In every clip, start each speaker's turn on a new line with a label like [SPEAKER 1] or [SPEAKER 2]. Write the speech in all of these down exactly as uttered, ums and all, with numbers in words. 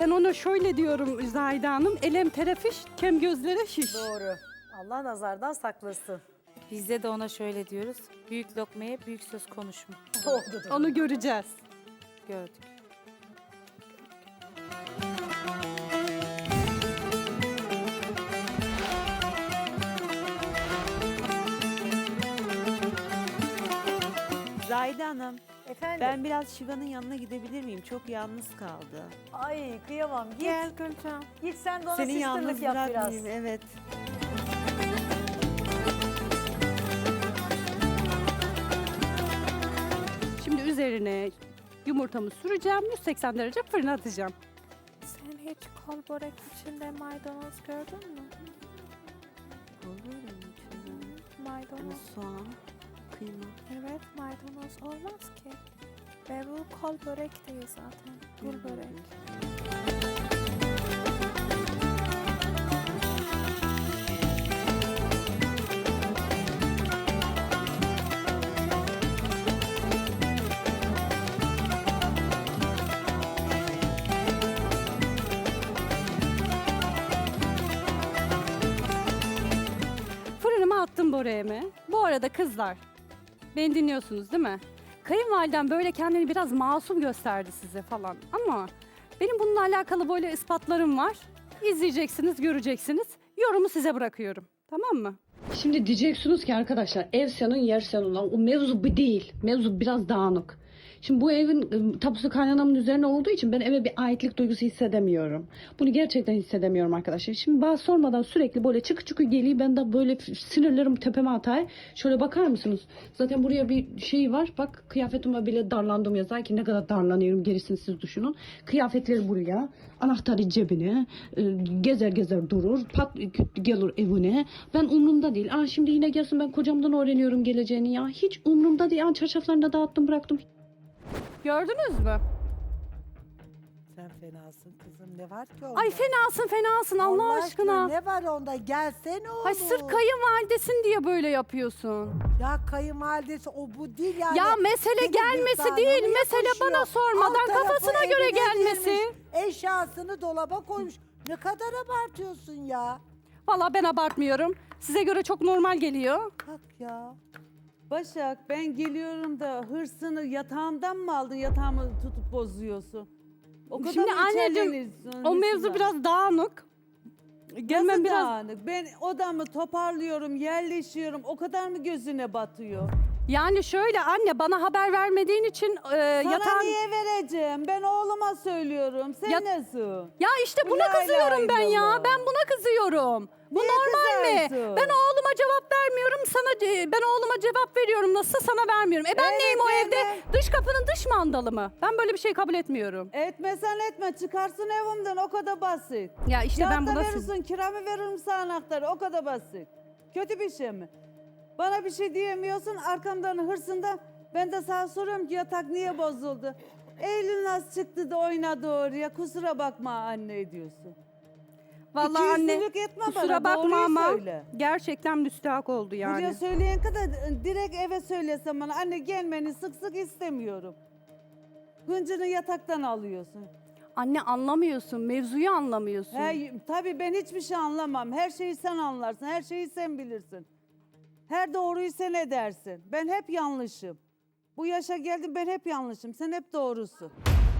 [SPEAKER 1] Ben ona şöyle diyorum Zahide Hanım. Elem terefiş, kem gözlere şiş.
[SPEAKER 2] Doğru. Allah nazardan saklasın.
[SPEAKER 3] Bizde de ona şöyle diyoruz. Büyük lokmaya büyük söz konuşma.
[SPEAKER 2] Oldu da.
[SPEAKER 1] Onu göreceğiz.
[SPEAKER 3] Gördük.
[SPEAKER 4] Zahide Hanım,
[SPEAKER 2] Efendim?
[SPEAKER 4] ben biraz Şiva'nın yanına gidebilir miyim? Çok yalnız kaldı.
[SPEAKER 2] Ay kıyamam. Git.
[SPEAKER 4] Gel Gülcan.
[SPEAKER 2] Git sen de ona
[SPEAKER 4] Seni yalnız
[SPEAKER 2] sisterlık yap biraz.
[SPEAKER 4] bırakmayayım, evet.
[SPEAKER 1] Şimdi üzerine yumurtamı süreceğim. yüz seksen derece fırına atacağım.
[SPEAKER 5] Sen hiç kol börek içinde maydanoz gördün mü?
[SPEAKER 4] Olur mu içinde? Hani
[SPEAKER 5] Maydanoz.
[SPEAKER 4] soğan, kıyma.
[SPEAKER 5] Evet, maydanoz olmaz ki. Ve bu kol börek değil zaten. Gül börek.
[SPEAKER 1] Fırınıma attım böreğimi. Bu arada kızlar, beni dinliyorsunuz değil mi? Kayınvalidem böyle kendini biraz masum gösterdi size falan. Ama benim bununla alakalı böyle ispatlarım var. İzleyeceksiniz, göreceksiniz. Yorumu size bırakıyorum. Tamam mı? Şimdi diyeceksiniz ki arkadaşlar ev senin yer senin. O mevzu bu değil. Mevzu biraz dağınık. Şimdi bu evin ı, tapusu kaynanamın üzerine olduğu için ben eve bir aitlik duygusu hissedemiyorum. Bunu gerçekten hissedemiyorum arkadaşlar. Şimdi bana sormadan sürekli böyle çıkı çıkı geliyor. Ben de böyle sinirlerim tepeme atay. Şöyle bakar mısınız? Zaten buraya bir şey var. Bak kıyafetime bile darlandım yazar ki ne kadar darlanıyorum gerisini siz düşünün. Kıyafetleri buraya. Anahtarı cebine. e, Gezer gezer durur. Pat gelir evine. Ben umurumda değil. Aa, şimdi yine gelsin ben kocamdan öğreniyorum geleceğini ya. Hiç umurumda değil. Aa, çarşaflarını da dağıttım bıraktım. Gördünüz mü?
[SPEAKER 6] Sen fenasın kızım. Ne var ki onda?
[SPEAKER 1] Ay fenasın fenasın Allah, aşkına.
[SPEAKER 6] Ne var onda? Gelsene oğlum.
[SPEAKER 1] Ay sırf kayınvalidesin diye böyle yapıyorsun.
[SPEAKER 6] Ya kayınvalidesi o bu değil yani.
[SPEAKER 1] Ya mesele
[SPEAKER 6] Senin
[SPEAKER 1] gelmesi
[SPEAKER 6] vicdanına
[SPEAKER 1] değil,
[SPEAKER 6] mı
[SPEAKER 1] mesele
[SPEAKER 6] yakışıyor?
[SPEAKER 1] bana sormadan
[SPEAKER 6] Alt tarafı
[SPEAKER 1] kafasına göre
[SPEAKER 6] evine
[SPEAKER 1] gelmesi.
[SPEAKER 6] girmiş, eşyasını dolaba koymuş. Ne kadar abartıyorsun ya.
[SPEAKER 1] Vallahi ben abartmıyorum. Size göre çok normal geliyor.
[SPEAKER 6] Bak ya.
[SPEAKER 7] Başak ben geliyorum da hırsını yatağımdan mı aldın? Yatağımı tutup bozuyorsun. O kadar
[SPEAKER 1] Şimdi
[SPEAKER 7] mı
[SPEAKER 1] anneciğim,
[SPEAKER 7] içerleniyorsun
[SPEAKER 1] o mevzu
[SPEAKER 7] hırsına?
[SPEAKER 1] biraz dağınık. Gelmem
[SPEAKER 7] Nasıl
[SPEAKER 1] biraz...
[SPEAKER 7] dağınık? Ben odamı toparlıyorum, yerleşiyorum. O kadar mı gözüne batıyor?
[SPEAKER 1] Yani şöyle anne bana haber vermediğin için e,
[SPEAKER 7] Sana
[SPEAKER 1] yatağın...
[SPEAKER 7] niye vereceğim? Ben oğluma söylüyorum. Sen
[SPEAKER 1] Ya-
[SPEAKER 7] nasıl?
[SPEAKER 1] Ya işte
[SPEAKER 7] Bu
[SPEAKER 1] buna
[SPEAKER 7] lay
[SPEAKER 1] kızıyorum
[SPEAKER 7] lay
[SPEAKER 1] ben ya.
[SPEAKER 7] lala.
[SPEAKER 1] Ben buna kızıyorum. Bu
[SPEAKER 7] Niye
[SPEAKER 1] normal mi?
[SPEAKER 7] kızarsın?
[SPEAKER 1] Ben oğluma cevap vermiyorum sana ben oğluma cevap veriyorum nasıl sana vermiyorum. E ben
[SPEAKER 7] Evet,
[SPEAKER 1] neyim o
[SPEAKER 7] evet.
[SPEAKER 1] evde? Dış kapının dış mandalı mı? Ben böyle bir şey kabul etmiyorum.
[SPEAKER 7] Etmesen etme. Çıkarsın evimden. O kadar basit.
[SPEAKER 1] Ya işte ben
[SPEAKER 7] Kağıtta
[SPEAKER 1] buna
[SPEAKER 7] verirsin, kiramı veririm sana anahtarı. O kadar basit. Kötü bir şey mi? Bana bir şey diyemiyorsun, arkamdan hırsında. Ben de sana soruyorum ki yatak niye bozuldu? Eylül nasıl çıktı da oynadı oraya? Kusura bakma anne diyorsun.
[SPEAKER 1] Vallahi anne
[SPEAKER 7] İkiyüzlülük etme
[SPEAKER 1] kusura
[SPEAKER 7] bana,
[SPEAKER 1] bakma
[SPEAKER 7] doğruyu
[SPEAKER 1] ama
[SPEAKER 7] söyle.
[SPEAKER 1] gerçekten müstahak oldu yani.
[SPEAKER 7] Buraya söyleyen kadar direkt eve söylesem bana anne gelmeni sık sık istemiyorum. Hıncını yataktan alıyorsun.
[SPEAKER 1] Anne anlamıyorsun, mevzuyu anlamıyorsun.
[SPEAKER 7] He, tabii ben hiçbir şey anlamam. Her şeyi sen anlarsın, her şeyi sen bilirsin. Her doğruyu sen edersin. Ben hep yanlışım. Bu yaşa geldim ben hep yanlışım. Sen hep doğrusun.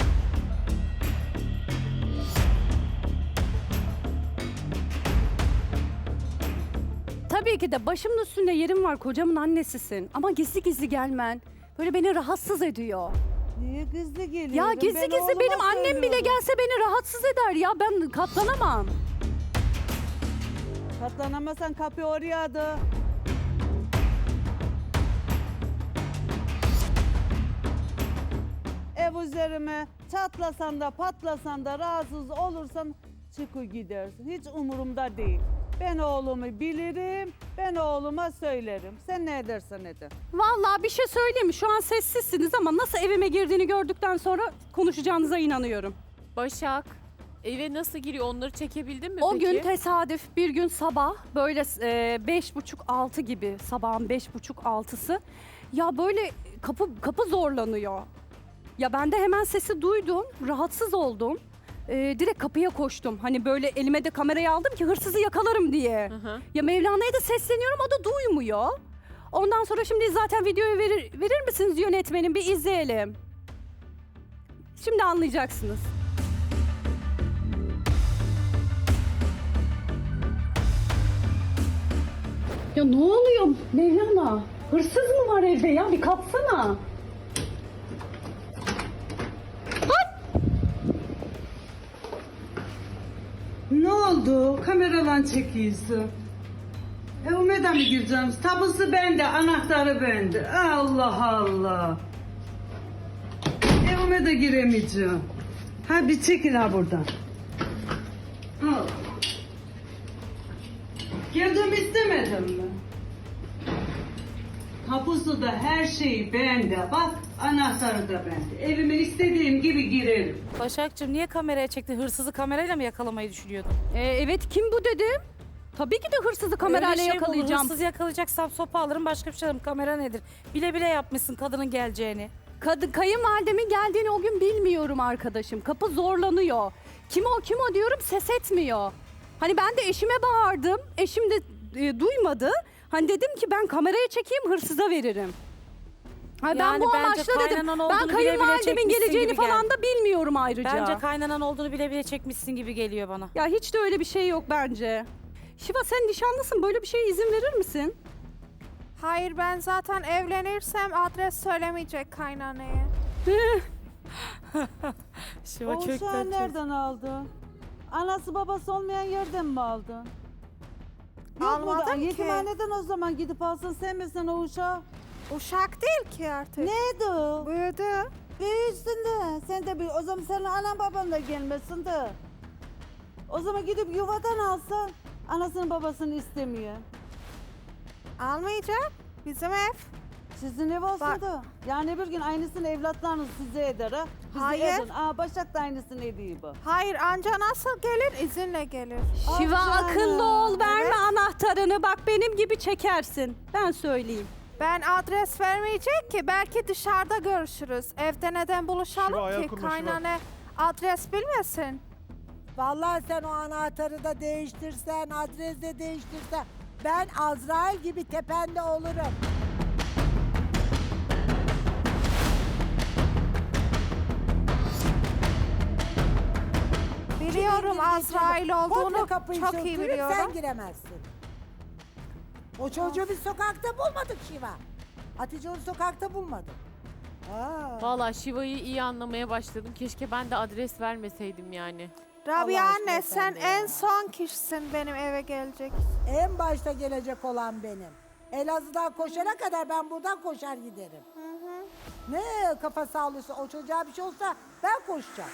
[SPEAKER 1] Tabii ki de başımın üstünde yerim var, kocamın annesisin. Ama gizli gizli gelmen böyle beni rahatsız ediyor.
[SPEAKER 7] Niye gizli geliyorsun?
[SPEAKER 1] Ya gizli
[SPEAKER 7] Ben
[SPEAKER 1] gizli
[SPEAKER 7] oğluma
[SPEAKER 1] benim annem bile
[SPEAKER 7] söylüyorum.
[SPEAKER 1] gelse beni rahatsız eder ya. Ben katlanamam.
[SPEAKER 7] Katlanamasan kapı oraya adı. Ev üzerime çatlasan da patlasan da rahatsız olursan çıkı gidersin. Hiç umurumda değil. Ben oğlumu bilirim, ben oğluma söylerim. Sen ne edersen eder.
[SPEAKER 1] Vallahi bir şey söyleyeyim mi? Şu an sessizsiniz ama nasıl evime girdiğini gördükten sonra konuşacağınıza inanıyorum.
[SPEAKER 8] Başak, eve nasıl giriyor onları çekebildin mi
[SPEAKER 1] O
[SPEAKER 8] peki?
[SPEAKER 1] gün tesadüf bir gün sabah böyle e, beş buçuk altı gibi sabahın beş buçuk altısı ya böyle kapı kapı zorlanıyor. Ya ben de hemen sesi duydum, rahatsız oldum. e, direkt kapıya koştum. Hani böyle elime de kamerayı aldım ki hırsızı yakalarım diye.
[SPEAKER 8] Hı hı.
[SPEAKER 1] Ya Mevlana'ya da sesleniyorum, o da duymuyor. Ondan sonra şimdi zaten videoyu verir, verir misiniz yönetmenim, bir izleyelim. Şimdi anlayacaksınız. Ya ne oluyor Mevlana? Hırsız mı var evde ya? Bir kalksana.
[SPEAKER 7] Ne oldu? Kameradan çekiyorsun. Evime mi gireceğim? Tapusu bende, anahtarı bende. Allah Allah. Evime de giremeyeceğim. Ha bir çekil ha buradan. Al. Girdim istemedim mi? Tapusu da her şeyi bende. Bak anahtarı da bende. Evime istediğim gibi girerim.
[SPEAKER 3] Başakçığım niye kameraya çektin? Hırsızı kamerayla mı yakalamayı düşünüyordun?
[SPEAKER 1] Ee, evet, kim bu dedim. Tabii ki de hırsızı kamerayla
[SPEAKER 3] Öyle şey mi olur?
[SPEAKER 1] yakalayacağım.
[SPEAKER 3] Hırsız yakalayacaksam sopa alırım, başka bir şey alırım. Kamera nedir? Bile bile yapmışsın kadının geleceğini.
[SPEAKER 1] Kadın, kayınvalidemin geldiğini o gün bilmiyorum arkadaşım. Kapı zorlanıyor. Kim o kim o diyorum, ses etmiyor. Hani ben de eşime bağırdım. Eşim de e, duymadı. Hani dedim ki ben kameraya çekeyim, hırsıza veririm. Ha, ben
[SPEAKER 3] Yani
[SPEAKER 1] bu
[SPEAKER 3] bence
[SPEAKER 1] amaçla dedim.
[SPEAKER 3] kaynanan
[SPEAKER 1] Ben
[SPEAKER 3] olduğunu bile bile
[SPEAKER 1] kayınvalidemin
[SPEAKER 3] çekmişsin
[SPEAKER 1] geleceğini
[SPEAKER 3] gibi
[SPEAKER 1] falan
[SPEAKER 3] geldi.
[SPEAKER 1] da bilmiyorum ayrıca.
[SPEAKER 3] Bence kaynanan olduğunu bile bile çekmişsin gibi geliyor bana.
[SPEAKER 1] Ya hiç de öyle bir şey yok bence. Şiva, sen nişanlısın, böyle bir şeye izin verir misin?
[SPEAKER 5] Hayır, ben zaten evlenirsem adres söylemeyecek kaynanaya.
[SPEAKER 3] Şiva
[SPEAKER 7] Oğuzhan
[SPEAKER 3] kökten
[SPEAKER 7] nereden aldı? Anası babası olmayan yerden mi aldı? Yok
[SPEAKER 5] Almadım
[SPEAKER 7] burada.
[SPEAKER 5] ki.
[SPEAKER 7] Yetimhaneden o zaman gidip alsın, sevmesin o uşağı.
[SPEAKER 5] Uşak değil ki artık.
[SPEAKER 7] Neydi o?
[SPEAKER 5] Büyüdü.
[SPEAKER 7] Büyüsün de. Sen de bir, o zaman senin anan baban da gelmesin de. O zaman gidip yuvadan alsan, anasını babasını istemiyor.
[SPEAKER 5] Almayacak. Bizim ev.
[SPEAKER 7] Sizin ev olsun
[SPEAKER 5] Bak-
[SPEAKER 7] da. Yani bir gün aynısını evlatlarınız size eder ha. Bize
[SPEAKER 5] Hayır.
[SPEAKER 7] edin. Aa, Başak da aynısını ediyor bu.
[SPEAKER 5] Hayır, anca nasıl gelir? İzinle gelir.
[SPEAKER 1] Şiva,
[SPEAKER 7] Ah canım.
[SPEAKER 1] akıllı ol, verme
[SPEAKER 5] Evet.
[SPEAKER 1] anahtarını. Bak benim gibi çekersin. Ben söyleyeyim.
[SPEAKER 5] Ben adres vermeyecek ki. Belki dışarıda görüşürüz. Evde neden buluşalım
[SPEAKER 9] Şiva, ayağa
[SPEAKER 5] ki?
[SPEAKER 9] kurma, Şiva.
[SPEAKER 5] Kaynana adres bilmesin.
[SPEAKER 6] Vallahi sen o anahtarı da değiştirsen, adresi de değiştirsen ben Azrail gibi tepende olurum.
[SPEAKER 5] Biliyorum Azrail olduğunu.
[SPEAKER 6] Komple kapıyı
[SPEAKER 5] Çok iyi
[SPEAKER 6] söktürüp
[SPEAKER 5] biliyorum.
[SPEAKER 6] sen giremezsin. O çocuğu biz sokakta bulmadık Şiva. Hatice onu sokakta bulmadık. Aa.
[SPEAKER 8] Valla Şiva'yı iyi anlamaya başladım. Keşke ben de adres vermeseydim yani.
[SPEAKER 5] Rabia
[SPEAKER 6] Allah
[SPEAKER 5] anne,
[SPEAKER 6] aşkına
[SPEAKER 5] sen
[SPEAKER 6] sen de ya.
[SPEAKER 5] en son kişisin benim eve gelecek.
[SPEAKER 6] En başta gelecek olan benim. Elazığ'dan koşana kadar ben buradan koşar giderim. Ne kafa sağlıyorsa, o çocuğa bir şey olsa ben koşacağım.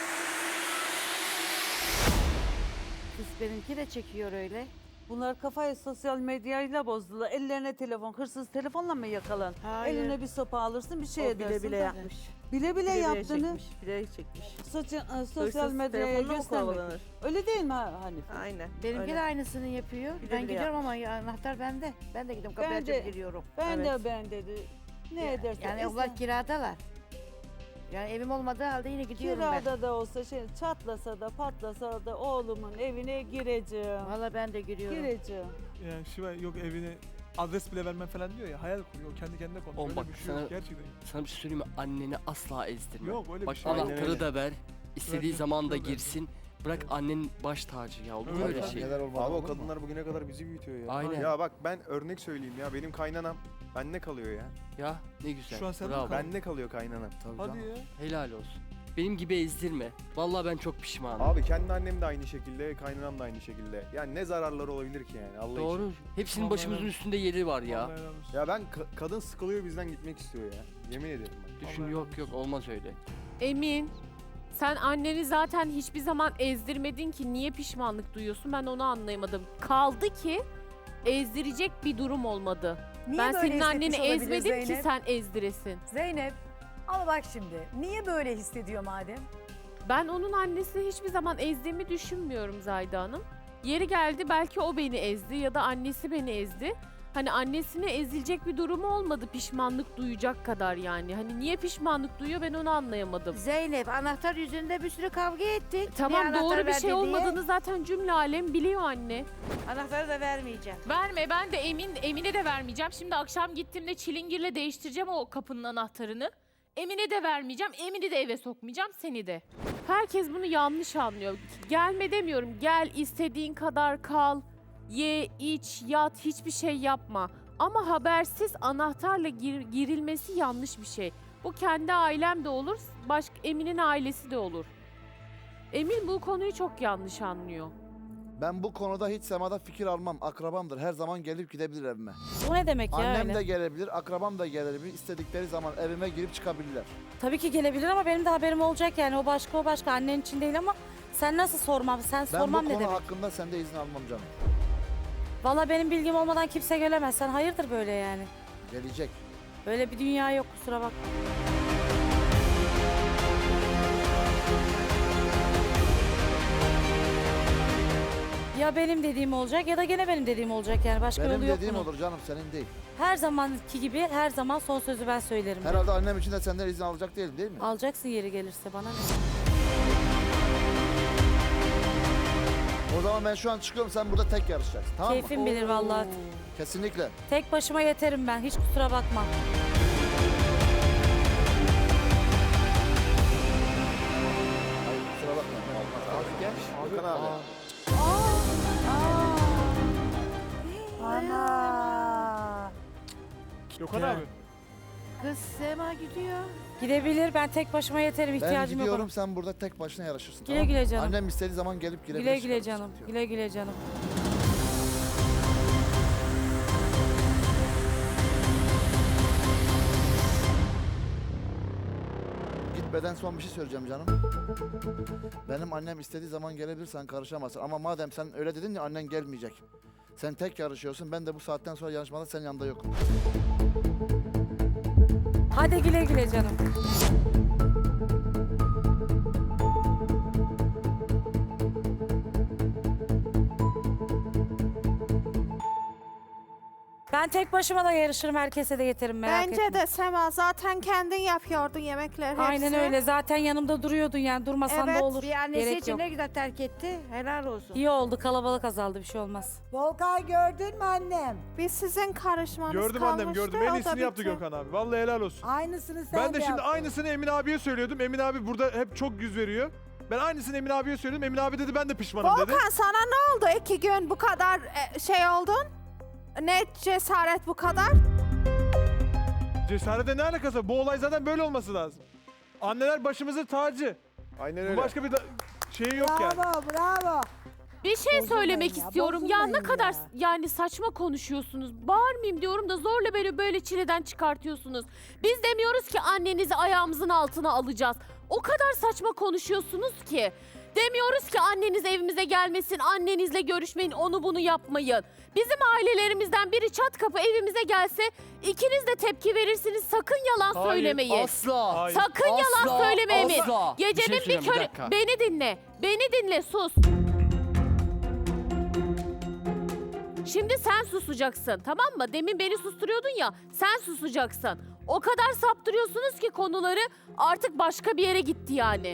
[SPEAKER 4] Kız benimki de çekiyor öyle.
[SPEAKER 7] Bunlar kafayı sosyal medyayla bozdular. Ellerine telefon, hırsız telefonla mı yakalan?
[SPEAKER 4] Hayır.
[SPEAKER 7] Eline bir sopa alırsın, bir şey
[SPEAKER 4] O
[SPEAKER 7] edersin.
[SPEAKER 4] bile bile
[SPEAKER 7] de.
[SPEAKER 4] yapmış.
[SPEAKER 7] Bile bile,
[SPEAKER 4] Bile
[SPEAKER 7] yaptığını
[SPEAKER 4] çekmiş. Bile çekmiş.
[SPEAKER 7] sosyal, e, sosyal
[SPEAKER 4] Hırsız
[SPEAKER 7] medyaya
[SPEAKER 4] telefonla mı
[SPEAKER 7] göstermek.
[SPEAKER 4] kovalanır?
[SPEAKER 7] Öyle değil mi ha- Hanife?
[SPEAKER 4] Aynen.
[SPEAKER 10] Benimki
[SPEAKER 4] öyle.
[SPEAKER 10] de aynısını yapıyor.
[SPEAKER 4] Bile
[SPEAKER 10] ben
[SPEAKER 4] bile
[SPEAKER 10] gidiyorum ama ya- anahtar bende. Ben de gidiyorum kapıyı
[SPEAKER 7] Ben de-
[SPEAKER 10] açıp giriyorum.
[SPEAKER 7] Ben
[SPEAKER 4] Evet.
[SPEAKER 7] de ben dedi. Ne edersen.
[SPEAKER 10] Yani
[SPEAKER 7] esen.
[SPEAKER 10] onlar kiradalar. Yani evim olmadığı halde yine gidiyorum ben.
[SPEAKER 7] Kirada da olsa şey çatlasa da patlasa da oğlumun evine gireceğim.
[SPEAKER 10] Valla ben de giriyorum.
[SPEAKER 7] Gireceğim.
[SPEAKER 9] Yani Şiva yok evini adres bile vermem falan diyor ya, hayal kuruyor, kendi kendine konuşuyor.
[SPEAKER 11] Oğlum
[SPEAKER 9] Öyle
[SPEAKER 11] bak,
[SPEAKER 9] bir şey
[SPEAKER 11] sana-
[SPEAKER 9] yok gerçekten.
[SPEAKER 11] Sana bir şey söyleyeyim mi? Anneni asla ezdirme.
[SPEAKER 9] Yok öyle
[SPEAKER 11] Bak
[SPEAKER 9] bir şey. yok.
[SPEAKER 11] anahtarı da ver. İstediği
[SPEAKER 9] Ver,
[SPEAKER 11] zaman da
[SPEAKER 9] ver, ver.
[SPEAKER 11] girsin. Bırak
[SPEAKER 9] Evet.
[SPEAKER 11] annenin baş tacı ya. Olur mu
[SPEAKER 9] Öyle
[SPEAKER 11] öyle
[SPEAKER 9] tabii.
[SPEAKER 11] şey?
[SPEAKER 9] Neler olmadı,
[SPEAKER 12] Abi o
[SPEAKER 9] olur mu?
[SPEAKER 12] kadınlar bugüne kadar bizi büyütüyor ya.
[SPEAKER 11] Aynen.
[SPEAKER 12] Ya bak ben örnek söyleyeyim ya, benim kaynanam bende kalıyor ya.
[SPEAKER 11] Ya ne güzel.
[SPEAKER 9] Şu an sen de
[SPEAKER 11] Bravo.
[SPEAKER 9] kal-
[SPEAKER 12] Bende kalıyor kaynanam.
[SPEAKER 11] Tabii
[SPEAKER 9] Hadi
[SPEAKER 11] canım.
[SPEAKER 9] ya.
[SPEAKER 11] Helal olsun. Benim gibi ezdirme. Vallahi ben çok pişmanım.
[SPEAKER 12] Abi kendi annem de aynı şekilde, kaynanam da aynı şekilde. Yani ne zararları olabilir ki yani Allah
[SPEAKER 11] Doğru.
[SPEAKER 12] için.
[SPEAKER 11] Hepsinin
[SPEAKER 9] Vallahi
[SPEAKER 11] başımızın
[SPEAKER 9] helal.
[SPEAKER 11] üstünde yeri var ya.
[SPEAKER 9] Vallahi helal olsun.
[SPEAKER 12] Ya ben ka- kadın sıkılıyor bizden gitmek istiyor ya. Yemin ederim bak.
[SPEAKER 11] Düşün,
[SPEAKER 9] Vallahi
[SPEAKER 11] yok
[SPEAKER 9] helal
[SPEAKER 11] yok olmaz öyle.
[SPEAKER 8] Emin, sen anneni zaten hiçbir zaman ezdirmedin ki niye pişmanlık duyuyorsun, ben onu anlayamadım. Kaldı ki ezdirecek bir durum olmadı.
[SPEAKER 2] Niye
[SPEAKER 8] ben
[SPEAKER 2] böyle
[SPEAKER 8] senin anneni
[SPEAKER 2] hissetmiş olabilir
[SPEAKER 8] ezmedim ki
[SPEAKER 2] Zeynep?
[SPEAKER 8] sen ezdiresin.
[SPEAKER 2] Zeynep, ama bak şimdi niye böyle hissediyor madem?
[SPEAKER 8] Ben onun annesini hiçbir zaman ezdiğimi düşünmüyorum Zayda Hanım. Yeri geldi belki o beni ezdi ya da annesi beni ezdi. Hani annesine ezilecek bir durumu olmadı pişmanlık duyacak kadar yani. Hani niye pişmanlık duyuyor ben onu anlayamadım.
[SPEAKER 10] Zeynep anahtar yüzünde bir sürü kavga ettik.
[SPEAKER 8] Tamam
[SPEAKER 10] Niye
[SPEAKER 8] doğru
[SPEAKER 10] anahtar
[SPEAKER 8] bir
[SPEAKER 10] verdi
[SPEAKER 8] şey
[SPEAKER 10] diye?
[SPEAKER 8] olmadığını zaten cümle alem biliyor anne.
[SPEAKER 10] Anahtarı da vermeyeceğim.
[SPEAKER 8] Verme ben de Emin Emine de vermeyeceğim. Şimdi akşam gittiğimde çilingirle değiştireceğim o kapının anahtarını. Emine de vermeyeceğim. Emin'i de eve sokmayacağım seni de. Herkes bunu yanlış anlıyor. Gelme demiyorum. Gel istediğin kadar kal. Ye, iç, yat hiçbir şey yapma. Ama habersiz anahtarla gir- girilmesi yanlış bir şey. Bu kendi ailem de olur. Başka Emin'in ailesi de olur. Emin bu konuyu çok yanlış anlıyor.
[SPEAKER 13] Ben bu konuda hiç Sema'da fikir almam. Akrabamdır. Her zaman gelip gidebilir evime.
[SPEAKER 3] Bu ne demek ya
[SPEAKER 13] Annem
[SPEAKER 3] öyle?
[SPEAKER 13] de gelebilir, akrabam da gelebilir. İstedikleri zaman evime girip çıkabilirler.
[SPEAKER 3] Tabii ki gelebilir ama benim de haberim olacak yani. O başka o başka. Annen için değil ama sen nasıl sormam? Sen
[SPEAKER 13] Ben
[SPEAKER 3] sormam
[SPEAKER 13] bu
[SPEAKER 3] ne
[SPEAKER 13] konu
[SPEAKER 3] demek?
[SPEAKER 13] hakkında sende izin almam canım.
[SPEAKER 3] Valla benim bilgim olmadan kimse gelemez. Sen hayırdır böyle yani?
[SPEAKER 13] Gelecek.
[SPEAKER 3] Böyle bir dünya yok kusura bakma. Ya benim dediğim olacak ya da gene benim dediğim olacak yani. Başka
[SPEAKER 13] Benim
[SPEAKER 3] yolu yok
[SPEAKER 13] dediğim
[SPEAKER 3] bunun.
[SPEAKER 13] olur canım, senin değil.
[SPEAKER 3] Her zamanki gibi her zaman son sözü ben söylerim.
[SPEAKER 13] Herhalde annem için de senden izin alacak değilim değil mi?
[SPEAKER 3] Alacaksın yeri gelirse bana ne?
[SPEAKER 13] O zaman ben şu an çıkıyorum, sen burada tek yarışacaksın, tamam mı?
[SPEAKER 3] Keyfim bilir vallahi.
[SPEAKER 13] Kesinlikle.
[SPEAKER 3] Tek başıma yeterim ben. Hiç kusura bakma.
[SPEAKER 13] Hayır, kusura bakma. Olmaz. Abi gel. Hakan abi.
[SPEAKER 6] Ana.
[SPEAKER 9] Gökhan abi.
[SPEAKER 10] Kız Sema gidiyor.
[SPEAKER 3] Gidebilir. Ben tek başıma yeterim.
[SPEAKER 13] Ben
[SPEAKER 3] İhtiyacım yok.
[SPEAKER 13] gidiyorum,
[SPEAKER 3] ona.
[SPEAKER 13] sen burada tek başına yarışırsın,
[SPEAKER 3] Güle
[SPEAKER 13] tamam mı?
[SPEAKER 3] güle canım.
[SPEAKER 13] Annem istediği zaman gelip girebilir.
[SPEAKER 3] Güle güle
[SPEAKER 13] çıkarır,
[SPEAKER 3] canım.
[SPEAKER 13] sıkıntı yok.
[SPEAKER 3] Güle güle canım.
[SPEAKER 13] Gitmeden son bir şey söyleyeceğim canım. Benim annem istediği zaman gelebilir, sen karışamazsın. Ama madem sen öyle dedin ya, annen gelmeyecek. Sen tek yarışıyorsun, ben de bu saatten sonra yarışmada senin yanında yokum.
[SPEAKER 3] Hadi güle güle canım. Ben tek başıma da yarışırım. Herkese de yeterim merak
[SPEAKER 5] Bence
[SPEAKER 3] etme.
[SPEAKER 5] de Sema zaten kendin yapıyordun yemekler hepsi.
[SPEAKER 3] Aynen öyle. Zaten yanımda duruyordun yani. Durmasan
[SPEAKER 5] Evet,
[SPEAKER 3] da olur.
[SPEAKER 10] Bir annesi
[SPEAKER 3] Gerek
[SPEAKER 10] için
[SPEAKER 3] yok.
[SPEAKER 10] ne güzel terk etti. Helal olsun.
[SPEAKER 3] İyi oldu. Kalabalık azaldı. Bir şey olmaz.
[SPEAKER 6] Volkan gördün mü annem?
[SPEAKER 5] Biz sizin karışmanız
[SPEAKER 9] Gördüm
[SPEAKER 5] kalmıştı.
[SPEAKER 9] annem gördüm.
[SPEAKER 5] o
[SPEAKER 9] En
[SPEAKER 5] da
[SPEAKER 9] iyisini yaptı
[SPEAKER 5] bitti.
[SPEAKER 9] Gökhan abi. Vallahi helal olsun.
[SPEAKER 6] Aynısını sen
[SPEAKER 9] Ben de şimdi
[SPEAKER 6] yaptın.
[SPEAKER 9] aynısını Emin abiye söylüyordum. Emin abi burada hep çok yüz veriyor. Ben aynısını Emin abiye söyledim. Emin abi dedi ben de pişmanım dedi.
[SPEAKER 5] Volkan sana ne oldu iki gün bu kadar e, şey oldun? Ne cesaret bu kadar?
[SPEAKER 9] Cesarete ne alakası var? Bu olay zaten böyle olması lazım. Anneler başımızın tacı.
[SPEAKER 12] Aynen
[SPEAKER 9] Bu
[SPEAKER 12] öyle.
[SPEAKER 9] başka bir da- şeyi yok yani.
[SPEAKER 6] Bravo bravo.
[SPEAKER 8] Bir şey
[SPEAKER 6] Bozulmayın
[SPEAKER 8] söylemek
[SPEAKER 6] ya,
[SPEAKER 8] istiyorum. Ya ne
[SPEAKER 6] bozulmayın
[SPEAKER 8] kadar
[SPEAKER 6] ya.
[SPEAKER 8] s- yani saçma konuşuyorsunuz. Bağırmayayım diyorum da zorla beni böyle çileden çıkartıyorsunuz. Biz demiyoruz ki annenizi ayağımızın altına alacağız. O kadar saçma konuşuyorsunuz ki. Demiyoruz ki anneniz evimize gelmesin, annenizle görüşmeyin, onu bunu yapmayın. Bizim ailelerimizden biri çat kapı evimize gelse ikiniz de tepki verirsiniz. Sakın yalan
[SPEAKER 9] Hayır,
[SPEAKER 8] söylemeyin.
[SPEAKER 11] Asla.
[SPEAKER 9] Hayır.
[SPEAKER 8] Sakın yalan
[SPEAKER 11] Asla,
[SPEAKER 8] söyleme Emin.
[SPEAKER 11] asla. Bir şey
[SPEAKER 8] Gecenin bir,
[SPEAKER 11] söyleyeceğim, bir
[SPEAKER 8] körü...
[SPEAKER 11] dakika.
[SPEAKER 8] Beni dinle. Beni dinle sus. Şimdi sen susacaksın tamam mı? Demin beni susturuyordun ya sen susacaksın. O kadar saptırıyorsunuz ki konuları artık başka bir yere gitti yani.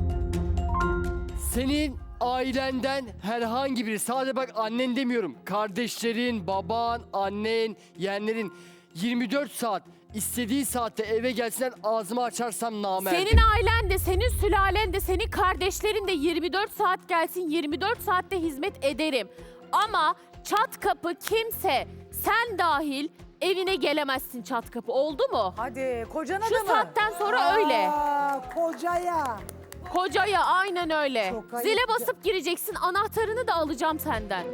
[SPEAKER 11] Senin ailenden herhangi biri, sadece bak annen demiyorum, kardeşlerin, baban, annen, yeğenlerin yirmi dört saat istediği saatte eve gelsinler, ağzımı açarsam namerdim.
[SPEAKER 8] Senin ailen de, senin sülalen de, senin kardeşlerin de yirmi dört saat gelsin, yirmi dört saatte hizmet ederim. Ama çat kapı kimse, sen dahil evine gelemezsin çat kapı. Oldu mu?
[SPEAKER 2] Hadi kocana
[SPEAKER 8] Şu
[SPEAKER 2] da mı?
[SPEAKER 8] saatten sonra öyle.
[SPEAKER 6] Aa, kocaya.
[SPEAKER 8] Kocaya aynen öyle.
[SPEAKER 6] Çok ayıp
[SPEAKER 8] Zile
[SPEAKER 6] ya.
[SPEAKER 8] basıp gireceksin, anahtarını da alacağım senden.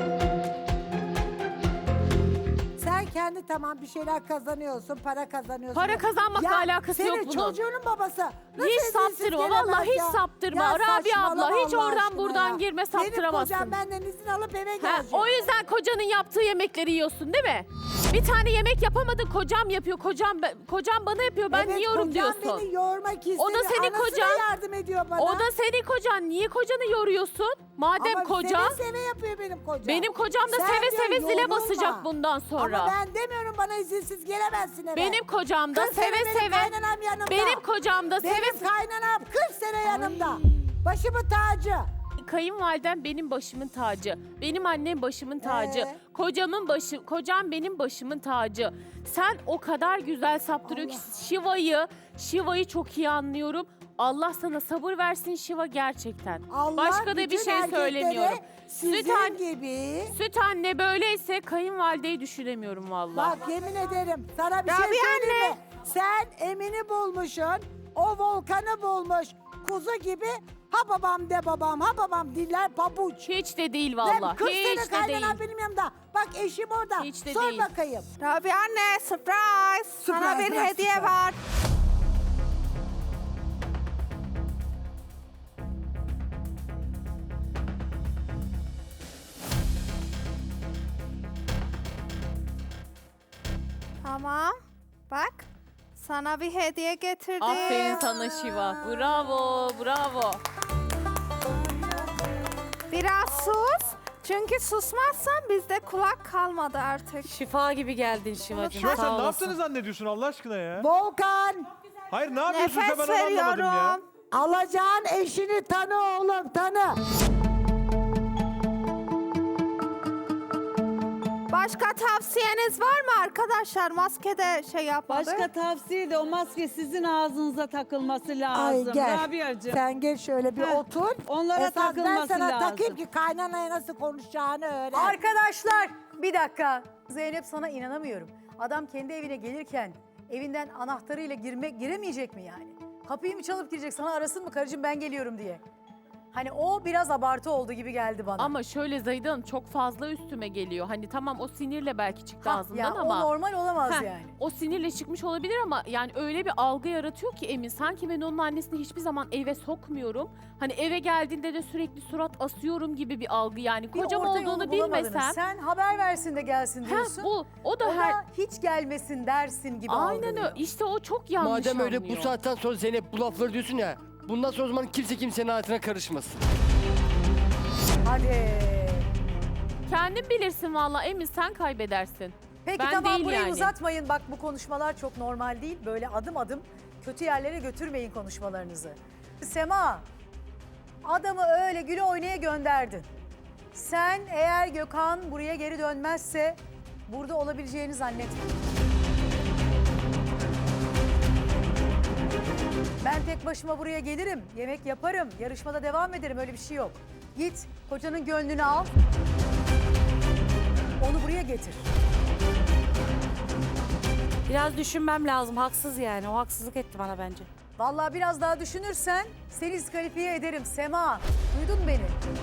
[SPEAKER 6] Sen kendi tamam bir şeyler kazanıyorsun, para kazanıyorsun.
[SPEAKER 8] Para kazanmakla
[SPEAKER 6] Ya,
[SPEAKER 8] alakası yok
[SPEAKER 6] senin
[SPEAKER 8] bunun.
[SPEAKER 6] çocuğunun babası. nasıl
[SPEAKER 8] Hiç
[SPEAKER 6] izinsiz
[SPEAKER 8] saptırma,
[SPEAKER 6] gelemez
[SPEAKER 8] vallahi hiç
[SPEAKER 6] ya?
[SPEAKER 8] saptırma.
[SPEAKER 6] Ya
[SPEAKER 8] Rabia abla,
[SPEAKER 6] saçmalama
[SPEAKER 8] hiç
[SPEAKER 6] Allah
[SPEAKER 8] oradan
[SPEAKER 6] aşkına
[SPEAKER 8] buradan
[SPEAKER 6] ya.
[SPEAKER 8] girme,
[SPEAKER 6] Benim
[SPEAKER 8] saptıramazsın.
[SPEAKER 6] kocam benden izin alıp eve
[SPEAKER 8] Ha,
[SPEAKER 6] gelecek.
[SPEAKER 8] o yüzden kocanın yaptığı yemekleri yiyorsun değil mi? Bir tane yemek yapamadın, kocam yapıyor. Kocam kocam bana yapıyor. Ben
[SPEAKER 6] Evet,
[SPEAKER 8] yiyorum
[SPEAKER 6] kocam
[SPEAKER 8] diyorsun.
[SPEAKER 6] beni yormak istedi.
[SPEAKER 8] O da senin
[SPEAKER 6] Anası
[SPEAKER 8] kocan.
[SPEAKER 6] yardım ediyor bana.
[SPEAKER 8] O da senin kocan. Niye kocanı yoruyorsun? Madem
[SPEAKER 6] Ama
[SPEAKER 8] kocan.
[SPEAKER 6] seve seve yapıyor benim kocam.
[SPEAKER 8] Benim kocam da
[SPEAKER 6] Sen
[SPEAKER 8] seve
[SPEAKER 6] diyor,
[SPEAKER 8] seve zile
[SPEAKER 6] yorulma.
[SPEAKER 8] basacak bundan sonra.
[SPEAKER 6] Ama ben demiyorum bana izinsiz gelemezsin eve.
[SPEAKER 8] Benim kocam da
[SPEAKER 6] kırk sene
[SPEAKER 8] seve
[SPEAKER 6] benim
[SPEAKER 8] seve.
[SPEAKER 6] kaynanam yanımda.
[SPEAKER 8] Benim kocam da
[SPEAKER 6] Benim
[SPEAKER 8] seve
[SPEAKER 6] kaynanam kırk sene yanımda. Başımın tacı.
[SPEAKER 8] Kayınvalidem benim başımın tacı. Benim annem başımın tacı.
[SPEAKER 6] Ee?
[SPEAKER 8] Kocamın başı, kocam benim başımın tacı. Sen o kadar güzel saptırıyor ki Şiva'yı, Şiva'yı çok iyi anlıyorum. Allah sana sabır versin Şiva gerçekten.
[SPEAKER 6] Allah
[SPEAKER 8] Başka da bir
[SPEAKER 6] bütün
[SPEAKER 8] şey
[SPEAKER 6] erkeklere
[SPEAKER 8] söylemiyorum.
[SPEAKER 6] Sizin
[SPEAKER 8] Süt, an-
[SPEAKER 6] gibi.
[SPEAKER 8] süt anne böyleyse kayınvalideyi düşünemiyorum vallahi.
[SPEAKER 6] Bak yemin ederim sana bir
[SPEAKER 5] Rabia
[SPEAKER 6] şey söyleyeyim mi? Sen Emin'i bulmuşsun. O Volkan'ı bulmuş. Kuzu gibi ha babam de babam ha babam diller pabuç.
[SPEAKER 8] Hiç de değil
[SPEAKER 6] Ben
[SPEAKER 8] vallahi.
[SPEAKER 6] kırk
[SPEAKER 8] Hiç
[SPEAKER 6] sene
[SPEAKER 8] de değil.
[SPEAKER 6] kaynanam benim yanımda. Bak eşim orada.
[SPEAKER 8] Hiç de
[SPEAKER 6] Sor
[SPEAKER 8] değil.
[SPEAKER 6] bakayım.
[SPEAKER 5] Rabia anne surprise. Sana
[SPEAKER 6] Surprise,
[SPEAKER 5] bir
[SPEAKER 6] bırak
[SPEAKER 5] hediye
[SPEAKER 6] surprise.
[SPEAKER 5] var. Tamam. Bak. Sana bir hediye getirdim.
[SPEAKER 8] Aferin sana Şiva. Bravo, bravo.
[SPEAKER 5] Biraz sus. Çünkü susmazsan bizde kulak kalmadı artık.
[SPEAKER 3] Şifa gibi geldin Şivacığım.
[SPEAKER 9] Şiva
[SPEAKER 3] Sağ
[SPEAKER 9] sen ne
[SPEAKER 3] olasın.
[SPEAKER 9] yaptığını zannediyorsun Allah aşkına ya?
[SPEAKER 6] Volkan
[SPEAKER 9] Hayır ne yapıyorsun sen
[SPEAKER 5] Nefes
[SPEAKER 9] ben onu anlamadım ya.
[SPEAKER 5] veriyorum.
[SPEAKER 6] alacağın eşini tanı oğlum tanı.
[SPEAKER 5] Başka tavsiyeniz var mı arkadaşlar? Maskede şey yapmadı.
[SPEAKER 7] Başka tavsiye de o maske sizin ağzınıza takılması
[SPEAKER 6] Ay
[SPEAKER 7] lazım.
[SPEAKER 6] gel.
[SPEAKER 7] Rabia'cığım.
[SPEAKER 6] Sen gel şöyle bir
[SPEAKER 7] Heh,
[SPEAKER 6] otur.
[SPEAKER 7] onlara
[SPEAKER 6] Esas ben
[SPEAKER 7] takılması
[SPEAKER 6] sana
[SPEAKER 7] lazım.
[SPEAKER 6] takayım ki kaynanaya nasıl konuşacağını öğren.
[SPEAKER 2] Arkadaşlar bir dakika. Zeynep sana inanamıyorum. Adam kendi evine gelirken evinden anahtarıyla girme, giremeyecek mi yani? Kapıyı mı çalıp girecek sana arasın mı karıcığım ben geliyorum diye. Hani o biraz abartı oldu gibi geldi bana.
[SPEAKER 8] Ama şöyle Zahide Hanım çok fazla üstüme geliyor. Hani tamam o sinirle belki çıktı
[SPEAKER 2] Ha,
[SPEAKER 8] ağzından
[SPEAKER 2] ya,
[SPEAKER 8] ama.
[SPEAKER 2] o normal olamaz
[SPEAKER 8] Heh,
[SPEAKER 2] yani.
[SPEAKER 8] O sinirle çıkmış olabilir ama yani öyle bir algı yaratıyor ki Emin. Sanki ben onun annesini hiçbir zaman eve sokmuyorum. Hani eve geldiğinde de sürekli surat asıyorum gibi bir algı yani.
[SPEAKER 2] Bir
[SPEAKER 8] Kocam
[SPEAKER 2] orta yolu
[SPEAKER 8] olduğunu
[SPEAKER 2] bulamadınız.
[SPEAKER 8] bilmesem.
[SPEAKER 2] Sen haber versin de gelsin diyorsun.
[SPEAKER 8] Heh, bu, o da
[SPEAKER 2] o
[SPEAKER 8] her...
[SPEAKER 2] da hiç gelmesin dersin gibi
[SPEAKER 8] Aynen
[SPEAKER 2] algılıyor.
[SPEAKER 8] öyle. İşte o çok yanlış
[SPEAKER 11] Madem öyle
[SPEAKER 8] anlıyor.
[SPEAKER 11] bu saatten sonra Zeynep bu lafları diyorsun ya. Bundan sonra o zaman kimse kimsenin hayatına karışmasın.
[SPEAKER 2] Hadi.
[SPEAKER 8] Kendin bilirsin valla Emin sen kaybedersin.
[SPEAKER 2] Peki
[SPEAKER 8] Ben
[SPEAKER 2] tamam
[SPEAKER 8] değil
[SPEAKER 2] burayı
[SPEAKER 8] yani.
[SPEAKER 2] uzatmayın. Bak bu konuşmalar çok normal değil. Böyle adım adım kötü yerlere götürmeyin konuşmalarınızı. Sema, adamı öyle güle oynaya gönderdin. Sen eğer Gökhan buraya geri dönmezse burada olabileceğini zannetmiyorum. Ben tek başıma buraya gelirim, yemek yaparım, yarışmada devam ederim. Öyle bir şey yok. Git kocanın gönlünü al, onu buraya getir.
[SPEAKER 3] Biraz düşünmem lazım. Haksız yani. O haksızlık etti bana bence.
[SPEAKER 2] Vallahi biraz daha düşünürsen seni diskalifiye ederim Sema. Duydun mu beni?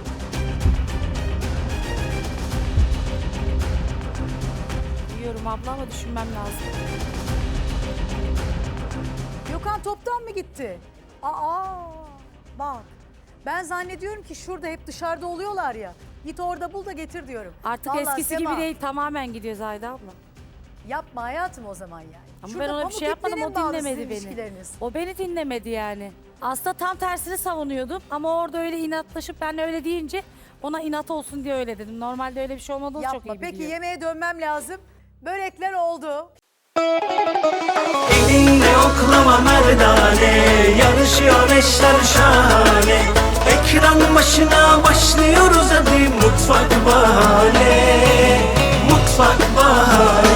[SPEAKER 3] Biliyorum abla ama düşünmem lazım.
[SPEAKER 2] Gökhan toptan mı gitti? Aa bak. Ben zannediyorum ki şurada hep dışarıda oluyorlar ya. Git orada bul da getir diyorum.
[SPEAKER 3] Artık
[SPEAKER 2] Vallahi
[SPEAKER 3] eskisi
[SPEAKER 2] Sema,
[SPEAKER 3] gibi değil. Tamamen gidiyor Zahide abla.
[SPEAKER 2] Yapma hayatım o zaman yani.
[SPEAKER 3] Ama
[SPEAKER 2] Şurada
[SPEAKER 3] ben ona bir
[SPEAKER 2] pamuk
[SPEAKER 3] şey yapmadım.
[SPEAKER 2] ipliğine
[SPEAKER 3] O
[SPEAKER 2] mi bağlı
[SPEAKER 3] dinlemedi
[SPEAKER 2] sizin
[SPEAKER 3] beni.
[SPEAKER 2] ilişkileriniz?
[SPEAKER 3] O beni dinlemedi yani. Aslında tam tersini savunuyordum. Ama orada öyle inatlaşıp ben öyle deyince ona inat olsun diye öyle dedim. Normalde öyle bir şey olmadığını çok
[SPEAKER 2] Yapma.
[SPEAKER 3] iyi
[SPEAKER 2] Peki
[SPEAKER 3] biliyor.
[SPEAKER 2] yemeğe dönmem lazım. Börekler oldu.
[SPEAKER 14] Elinle oklama merdane, yarışıyor eşler şahane. Ekran başına başlıyoruz hadi Mutfak Bahane, Mutfak Bahane.